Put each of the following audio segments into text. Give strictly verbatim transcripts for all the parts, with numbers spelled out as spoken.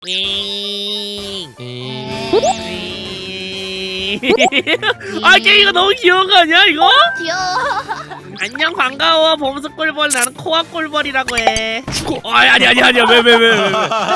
아 게임이 너무 귀여운 거 아니야 이거? 귀여워. 안녕 반가워 범수 꿀벌 나는 코아 꿀벌이라고 해. 어, 아니 아니 아니 아니야 왜 왜 왜 왜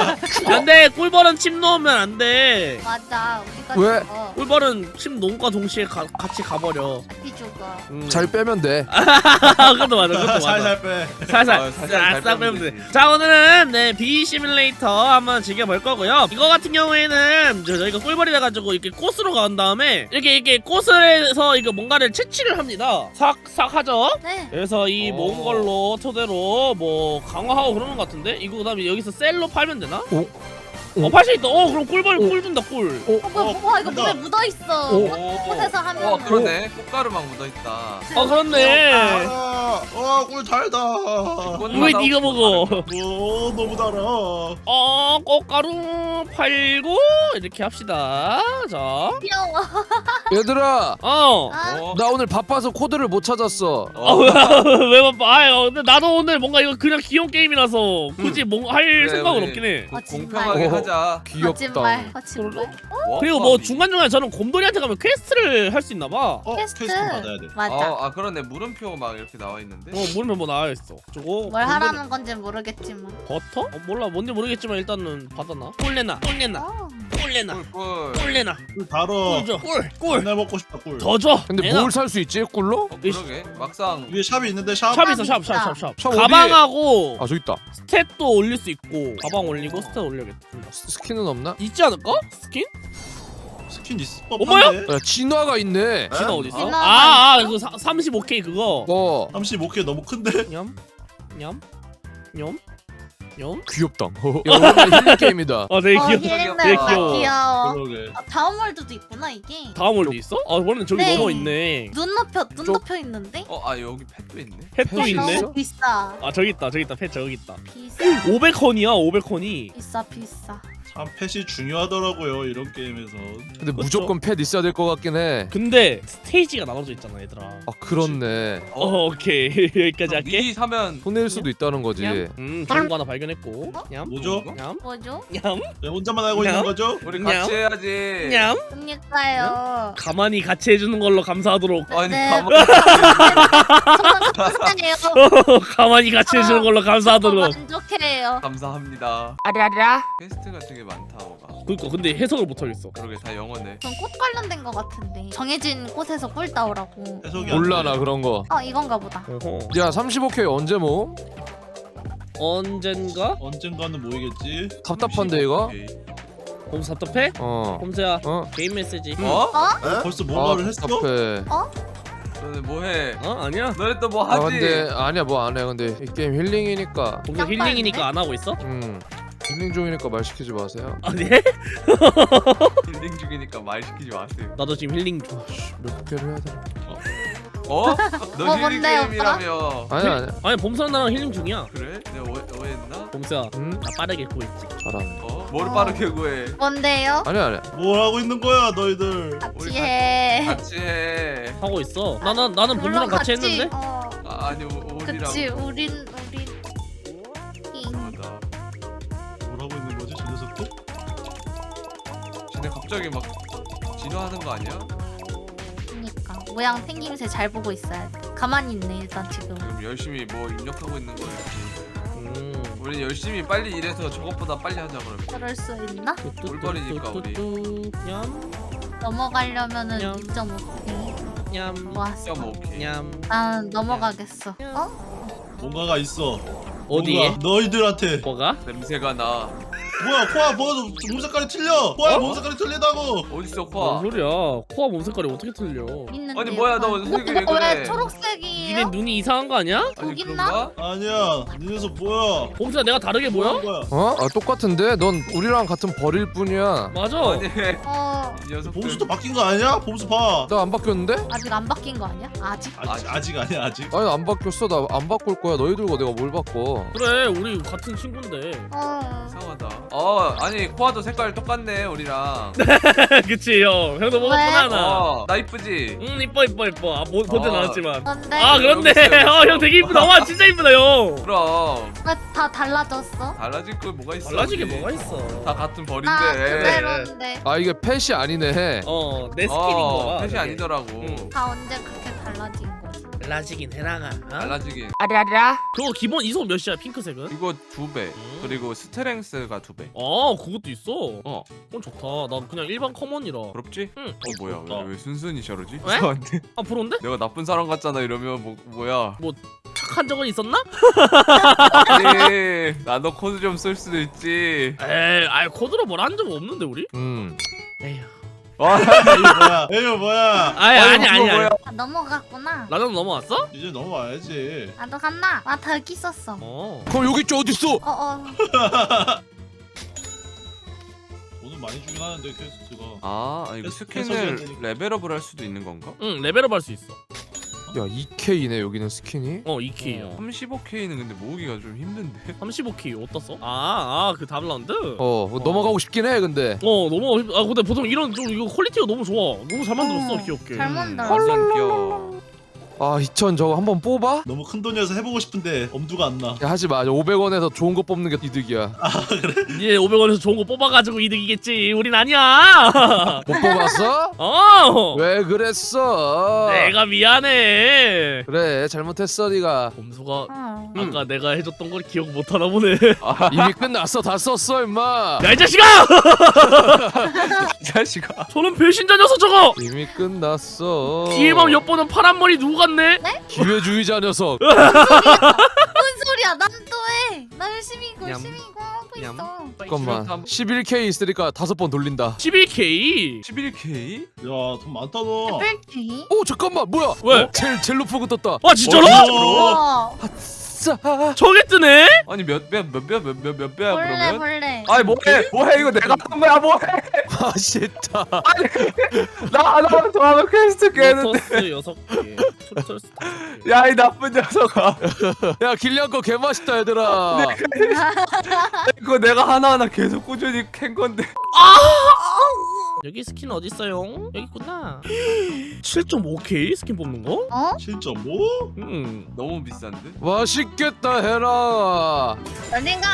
안돼 꿀벌은 침 놓으면 안돼. 맞아. 우리가 왜? 죽어. 꿀벌은 침 놓음과 동시에 가, 같이 가버려. 같이 죽어. 음. 잘 빼면 돼. 그것도 맞아 그것도 맞아. 살살 빼. 살살 어, 살살 잘 싹 빼면 빼면 돼. 되지. 자 오늘은 네 비 시뮬레이터 한번 즐겨볼 거고요. 이거 같은 경우에는 저, 저희가 꿀벌이라 가지고 이렇게 꽃으로 간 다음에 이렇게 이렇게 꽃을 해서 이거 뭔가를 채취를 합니다. 싹싹 하죠. 네. 그래서 이 오. 모은 걸로 토대로 뭐 강화하고 그러는 것 같은데 이거 그다음에 여기서 셀로 팔면 되나? 오. 어 팔 수 있다. 어 그럼 꿀벌 오. 꿀 준다 꿀. 오. 어, 뭐야, 뭐야, 이거 물에 묻어 있어. 오. 꽃에서 하면. 어 그러네. 꽃가루 막 묻어있다. 어 그렇네. 아, 와, 꿀 달다. 왜 네가 먹어? 오, 너무 달아. 어 꽃가루 팔고 이렇게 합시다. 자. 귀여워. 얘들아, 어. 아, 어. 나 오늘 바빠서 코드를 못 찾았어. 어. 왜 바빠? 아유, 근데 나도 오늘 뭔가 이거 그냥 귀여운 게임이라서 굳이 뭐 할 그래, 생각은 우리 없긴 해. 고- 아, 정말. 공평하게 오. 하자. 귀엽다. 거짓말. 거짓말. 뭐? 그리고 뭐 중간중간에 저는 곰돌이한테 가면 퀘스트를 할 수 있나 봐. 어, 퀘스트. 퀘스트 받아야 돼. 맞아. 어, 아 그러네. 물음표 막 이렇게 나와 있는데. 어, 모르면 뭐 나와 있어. 저거 뭘 곰돌이- 하라는 건지 모르겠지만. 버터? 어, 몰라. 뭔지 모르겠지만 일단은 받아놔. 꿀 내놔. 꿀 내놔. 어. 꿀 내놔. 꿀꿀. 꿀 내놔. 꿀 달아. 꿀 줘. 꿀. 꿀. 맨날 먹고 싶다, 꿀. 더 줘. 근데 내놔. 뭘 살 수 있지? 꿀로? 어, 그러게. 막상 위에 샵이 있는데 샵. 샵 있어. 샵. 있다. 샵. 샵. 샵. 샵 어디에? 가방하고 아, 저기 있다. 스탯도 올릴 수 있고 가방 올리고 스탯 올려야겠다. 스- 스킨은 없나? 있지 않을까? 스킨? 스킨 있어. 어머야? 야, 진화가 있네. 진화 어디 있어? 진화가 아, 아, 그 삼십오 케이 그거. 어, 삼십오 개 너무 큰데. 냠, 냠, 냠, 냠. 귀엽다. 야, 오랜만에 힐링 게임이다. 아, 되게 어, 귀여워. 힐링 되게 다 귀여워. 귀여워. 그러게. 아, 다음 월드도 있구나 이게. 다음 월드 있어? 아, 원래 저기 네. 넘어 있네. 눈 높여 눈 쪽- 높여 있는데. 어, 아 여기 펫도 있네. 펫도 펫이 있네. 있어? 너무 비싸. 아, 저기 있다, 저기 있다. 펫 저기 있다. 비싸. 오백 원이야, 오백 원이. 비싸 비싸. 참 펫이 중요하더라고요, 이런 게임에서. 근데 무조건 펫 있어야 될 것 같긴 해. 근데 스테이지가 나눠져 있잖아, 얘들아. 아, 그렇네. 어, 오케이. 여기까지 할게. 미리 사면 손해일 수도 있다는 거지. 냠. 음, 좋은 거 하나 발견했고. 냠, 뭐죠? 냠, 뭐죠? 냠, 왜 혼자만 알고 냠. 있는 거죠? 우리 냠. 같이 해야지. 냠. 그러니까요. 가만히 같이 해주는 걸로 감사하도록. 아니 네. 가만. 정말 감사해요. 가만히 같이 해주는 걸로 감사하도록. 만족해요. 감사합니다. 아라라. 퀘스트가 되게 많다. 뭐가. 그니까 근데 해석을 못하겠어. 그러게 다 영어네. 전 꽃 관련된 거 같은데 정해진 꽃에서 꿀 따오라고. 해석이 안 몰라, 돼. 나 그런 거. 어 이건가 보다. 어허. 야, 삼십오 케이 언제 모음? 언젠가? 언젠가는 모이겠지. 답답한데, 이거? 오케이. 봄수 답답해? 어. 봄수야 어? 개인 메시지. 어? 어? 벌써 뭔가를 아, 했어? 답답해. 너네 뭐해? 어? 아니야. 너네 또 뭐 아, 하지? 근데 아니야, 뭐 안 해. 근데 이 게임 힐링이니까. 봄수 깜빡이네. 힐링이니까 안 하고 있어? 음. 힐링 중이니까 말 시키지 마세요. 아니? 힐링 중이니까 말 시키지 마세요. 나도 지금 힐링 중. 몇 개를 해야 되나? 어? 너 뭐, 힐링 뭔데, 게임이라며. 아니, 아니. 아니 봄수랑 나랑 힐링 중이야. 그래? 내가 오해, 오해했나? 봄수야 음? 나 빠르게 구했지. 잘하네. 어? 뭘 어. 빠르게 구해? 뭔데요? 아니, 아니. 뭘 하고 있는 거야, 너희들? 우리 같이 해. 같이 해. 하고 있어. 나는 나는 봄수랑 물론 같이 했는데. 어. 아, 아니 우- 우리랑. 그치 우린 우린. 잉. 맞아. 뭘 하고 있는 거지, 저 녀석들? 쟤네 갑자기 막 진화하는 거 아니야? 그니까 모양 생김새 잘 보고 있어야 돼. 가만히 있네 일단 지금. 지금 열심히 뭐 입력하고 있는 거야. 음. 우리 열심히 빨리 일해서 저것보다 빨리 하자 그러면. 그럴 수 있나? 꿀벌이니까, 우리. 뚜뚜뚜뚜뚜. 냠. 넘어가려면은 냠. 육 점 오 케이 냠. 모았어. 야, 뭐 오케이. 냠. 난 넘어가겠어. 어? 뭔가가 있어. 어디에? 뭔가 너희들한테. 뭐가? 냄새가 나. 뭐야, 코아, 뭐, 몸 색깔이 틀려. 코아, 몸 색깔이 틀리다고. 어딨어 뭔 코아? 소리야? 코아 몸 색깔이 어떻게 틀려? 있는데. 아니, 뭐야, 너 약간- 색이 왜 어, 그래? 왜 초록색이에요? 니네 눈이 이상한 거 아니야? 아니 여기 있나? 그런가? 아니야, 니 녀석 뭐야? 봄수야 내가 다르게 보여? 뭐야? 거야? 어? 아, 똑같은데? 넌 우리랑 같은 벌일 뿐이야. 맞아. 아니 어 이 녀석들. 봄수도 바뀐 거 아니야? 봄수 봐. 나 안 바뀌었는데? 아직 안 바뀐 거 아니야? 아직? 아직, 아직 아니야, 아직. 아니, 안 바뀌었어. 나 안 바꿀 거야. 너희들과 내가 뭘 바꿔. 그래 우리 같은 친구인데. 어. 이상하다. 어 아니 코아도 색깔 똑같네 우리랑. 그치 형 형도 먹었구나 나. 어, 나 이쁘지? 응 이뻐 이뻐 이뻐. 아 보, 보진 어. 않았지만. 근데 아 그렇네. 여기 있어요, 여기 어 형 되게 이쁘다. 와 진짜 이쁘다 형. 그럼 왜 다 달라졌어? 달라질 거 뭐가 있어? 달라지게 우리. 뭐가 있어. 다 같은 벌인데. 나 그대로인데 아 이게 펫이 아니네. 어 내 스킬인 어, 거야. 펫이 그게. 아니더라고. 응. 다 언제 그렇게 달라진 거지? 달라지긴 해나가. 어? 달라지긴. 아라라. 그거 기본 이속 몇이야 핑크색은? 이거 두 배. 음. 그리고 스트렝스가 두 배. 아 그것도 있어. 어. 그건 좋다. 난 그냥 일반 커먼이라. 부럽지? 응. 어 뭐야? 부럽다. 왜, 왜 순순히 저러지? 왜? 이상한데? 아 부러운데? 내가 나쁜 사람 같잖아 이러면 뭐 뭐야? 착한 적은 있었나? 아니 나도 코드 좀 쓸 수도 있지. 에이, 아이 코드로 뭘 한 적 없는데 우리? 음. 에휴. 와. 이거 뭐야? 이거 뭐야? 아니 아니, 아니 아니 그거 아니. 뭐야? 아, 넘어갔구나. 나도 넘어왔어? 이제 넘어와야지. 나도 갔나? 나 더 여기 있었어. 어. 그럼 여기 있지 어딨어? 어어. 돈은 많이 주긴 하는데 퀘스트가. 아 이거 해서- 스킨을 해서지는 레벨업을 할 수도 있는 건가? 응 레벨업 할 수 있어. 야 이 케이네 여기는 스킨이. 어 이 케이요. 삼십오 케이는 근데 모으기가 좀 힘든데. 삼십오 케이 어디다 써? 아아그 다음 라운드? 어. 어 넘어가고 싶긴 해 근데. 너무 힘- 아 근데 보통 이런 좀 이거 퀄리티가 너무 좋아. 너무 잘 만들었어 어, 귀엽게. 잘 만들었어. 완전 귀여워. 아 이천 저거 한번 뽑아? 너무 큰 돈이어서 해보고 싶은데 엄두가 안 나. 야, 하지 마. 오백 원에서 좋은 거 뽑는 게 이득이야. 이제 오백 원에서 좋은 거 뽑아가지고 이득이겠지. 우린 아니야. 못 뽑았어? 어. 왜 그랬어? 내가 미안해. 그래 잘못했어 네가. 범수가 어. 아까 내가 해줬던 걸 기억 못하나 보네. 이미 끝났어. 다 썼어 임마. 야 이 자식아! 이 자식아. 저는 배신자 녀석 저거. 이미 끝났어. 뒤에만 엿보는 파란 머리 누구 같네? 기회주의자 녀석. 뭔 소리야? 난 또 해. 나 열심히 이거 얌. 열심히 이거 하고 얌. 있어. 잠깐만. 십일 케이 있으니까 다섯 번 돌린다. 십일 케이. 십일 케이? 야, 돈 많다 너. 뺄기? 오 잠깐만 뭐야? 왜? 어? 제일 제일 높은 거 떴다. 아 진짜로? 어, 와. 아싸. 저게 뜨네? 아니 몇배몇배몇배몇 배야 벌레 그러면? 벌레. 아니 뭐해 뭐해 이거 내가 한 거야 뭐해? 아 싫다. 나 하나 더 하면 퀘스트 깨는데. 로터스 여섯 개. 토토스 다섯 개. 야 이 나쁜 녀석아. 야 길리안 거 개맛있다 얘들아. 그거 내가 하나하나 계속 꾸준히 캔 건데. 여기 스킨 어디 있어요? 여기 있구나. 칠 점 오 케이 스킨 뽑는 거? 어? 칠 점 오? 음. 너무 비싼데? 맛있겠다 해라. 어딘가.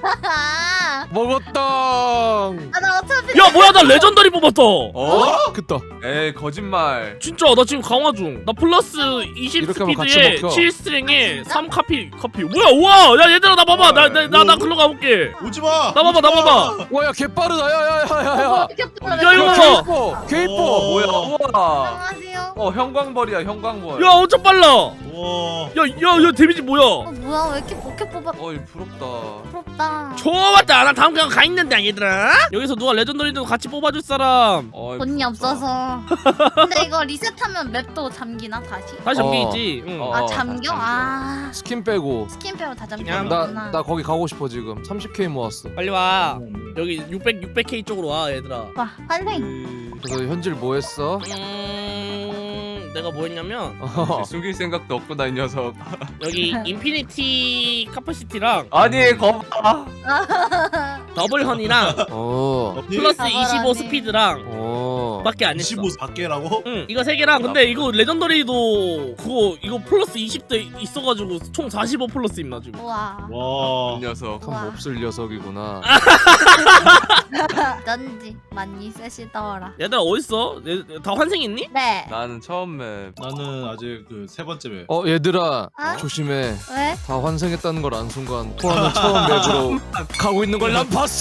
먹었다. 아, 나 어차피 야 뭐야 나 레전더리 뽑았다. 어? 그다. 에이 거짓말. 진짜 나 지금 강화 중. 나 플러스 이십 이렇게 하면 같이 스피드에 먹혀. 칠 스트링에 삼 카피 카피. 뭐야 우와 야 얘들아 나 봐봐 나 나 나 나 글로 가볼게. 오지 마. 나 봐봐 나 봐봐. 와야 개빠르다. 야야야야야. 이렇게 야, 이거 야 봐. 케이포. 케이포. 어. 뭐야 우와. 안녕하세요. 어 형광벌이야 형광벌. 야 엄청 빨라. 와. 야야야 데미지 뭐야? 어 뭐야 왜 이렇게 포켓 뽑아? 어이 부럽다. 부럽다. 좋았다. 나 다음 그냥 가 있는데 얘들아. 여기서 누가 레전더리도 같이 뽑아줄 사람. 어이, 돈이 부럽다. 없어서. 근데 이거 리셋하면 맵도 잠기나 다시? 다시 어. 잠기지. 응. 어. 아 잠겨? 다 잠겨. 아 스킨 빼고. 스킨 빼고 다 야, 잠기는구나. 나 나 거기 가고 싶어 지금. 삼십 케이 모았어. 빨리 와. 여기 육백 육백 케이 쪽으로 와 얘들아. 와 환생. 에이, 그래서 현질 뭐 했어? 음, 내가 뭐 했냐면 어. 숨길 생각도 없구나 이 녀석. 여기 인피니티 카파시티랑 아니 거봐. 더블 헌이랑 어. 플러스 더블 이십오 헌이. 스피드랑 어. 밖에 안 했어. 이십오 밖에라고? 응 이거 세 개랑 근데 이거 레전더리도 그거 이거 플러스 이십 대 있어가지고 총 사십오 플러스 임나 지금. 우와. 와. 이 녀석. 참 몹쓸 녀석이구나. 넌지 많이 세시더라. 얘들아 어딨어? 얘- 다 환생했니? 네. 나는 처음 맵. 나는 아직 그 세 번째 맵. 어 얘들아 어? 조심해. 왜? 다 환생했다는 걸 안 순간 포함은 처음 맵으로 가고 있는 걸 난 봤어.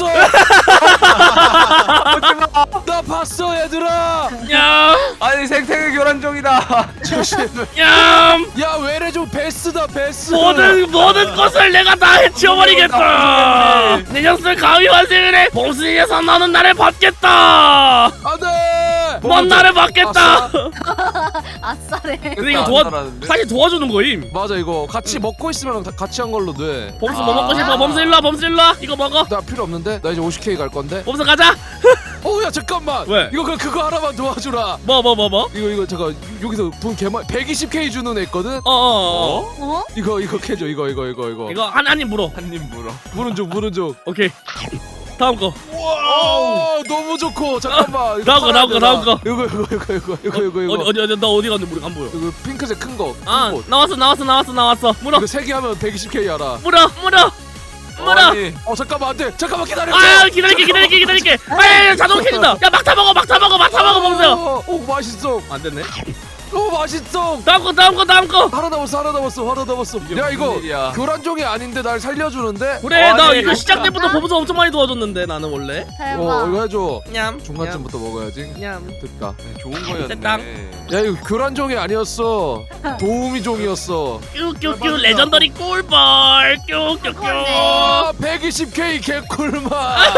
나 봤어 얘들아. 냠! 아니 생태계 교란 중이다. 조심해. 냠! 야 외래 좀 베스다 베스. 모든 모든 것을 내가 다 해치워버리겠다. 내 녀석 감히 환생을 해. 범수에서 너는 나를 받겠다. 안돼. 넌 나를 받겠다. 아싸래. 근데 이거 안 도와 살았는데? 사실 도와주는 거임. 맞아 이거 같이 먹고 있으면 다 같이 한 걸로 돼. 범수 아. 뭐 먹고 싶어? 범수 일로 와. 범수 일로 와. 이거 먹어. 나 필요 없는데 나 이제 오십 케이 갈 건데. 범수 가자. 어야 잠깐만. 왜? 이거 그냥 그거 하나만 도와주라. 뭐 뭐 뭐 뭐? 이거 이거 잠깐 여기서 돈 개만 백이십 케이 주는 애 있거든. 어어 어. 어? 어? 이거 이거 캐줘 이거 이거 이거 이거. 이거 한 한입 물어. 한입 물어. 물은 좀 물은 좀. 오케이. 다음 거. 와우. 어 너무 좋고 잠깐만. 다음 거, 다음 거, 다음 거. 이거 이거 이거 이거 이거 이거 이거. 어디 어디 어디 나 어디 갔는데 우리 안 보여. 이거 핑크색 큰 거. 아 큰 곳. 나왔어 나왔어 나왔어 나왔어. 물어 이거 세 개 하면 백이십 케이 알아. 물어 물어 물어. 아니, 어 잠깐만 안돼. 잠깐만 기다려. 아 기다릴게 기다릴게 기다릴게. 아 자동 켜진다. 야 막타 먹어 막타 먹어 막타 먹어 범수야. 어, 오 맛있어. 안 됐네. 오 맛있어. 다음 거 다음 거 다음 거. 하나 남았어 하나 남았어 하나 남았어. 이게 야 무슨 이거 일이야. 교란종이 아닌데 날 살려주는데. 그래 나 아니, 이거 시작 진짜. 때부터 범수 엄청 많이 도와줬는데 나는 원래. 대박. 어 이거 해줘. 냠. 중간쯤부터 먹어야지. 냠. 됐다. 네, 좋은 거였네. 됐다. 야 이거 교란종이 아니었어. 도우미 종이었어. 뀨뀨뀨 레전더리 꿀벌 뀨뀨뀨. 아 백이십 케이 개꿀맛.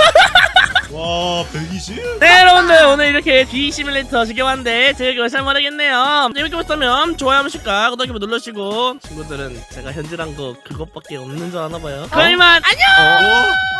와 백이십? 네 여러분들 오늘 이렇게 비 시뮬레이터 즐겨봤는데 재밌게 보셨으면 모르겠네요. 재밌게 보셨다면 좋아요 한 번씩과 구독 버튼 눌러주시고 친구들은 제가 현질한 거 그것밖에 없는 줄 아나봐요. 그럼 이만 안녕. 어? 어?